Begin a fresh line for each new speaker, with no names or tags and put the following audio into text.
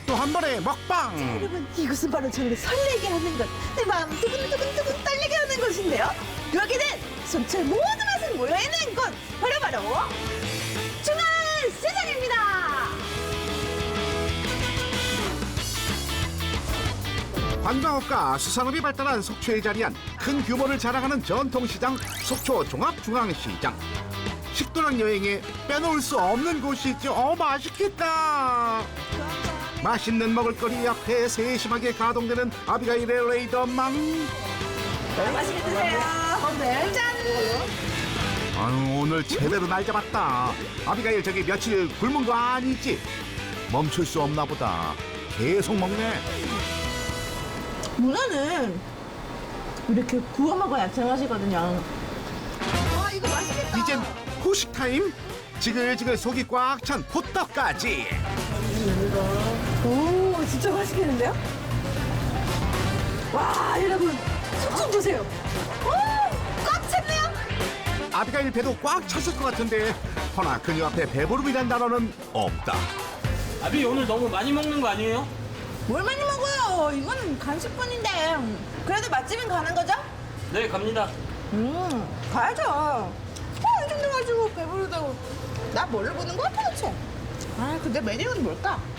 또 한 번의 먹방.
여러분, 이것은 바로 저를 설레게 하는 것, 내 마음 두근두근 떨리게 하는 것인데요. 여기는 속초의 모든 맛을 모여있는 곳, 바로 중앙시장입니다.
관광업과 수산업이 발달한 속초에 자리한 큰 규모를 자랑하는 전통시장 속초 종합중앙시장. 식도락 여행에 빼놓을 수 없는 곳이죠. 맛있겠다. 맛있는 먹을거리 앞에 세심하게 가동되는 아비가일의 레이더망.
맛있게 드세요. 네. 짠!
아유, 오늘 제대로 날 잡았다. 아비가일 저기 며칠 굶은 거 아니지? 멈출 수 없나 보다. 계속 먹네.
문어는 이렇게 구워 먹어야 제맛이거든요. 와, 이거 맛있겠다.
이젠 후식 타임. 지글지글 속이 꽉 찬 호떡까지.
오, 진짜 맛있겠는데요? 와, 여러분, 속 좀 보세요. 오, 꽉 찼네요.
아비가일 배도 꽉 찼을 것 같은데 허나 그녀 앞에 배부름이란 단어는 없다.
아비 오늘 너무 많이 먹는 거 아니에요?
뭘 많이 먹어요? 이거는 간식뿐인데. 그래도 맛집은 가는 거죠?
네 갑니다.
가야죠. 이 정도 가지고 배부르다고. 나 뭘로 보는 거야 도대체? 아, 근데 메뉴는 뭘까?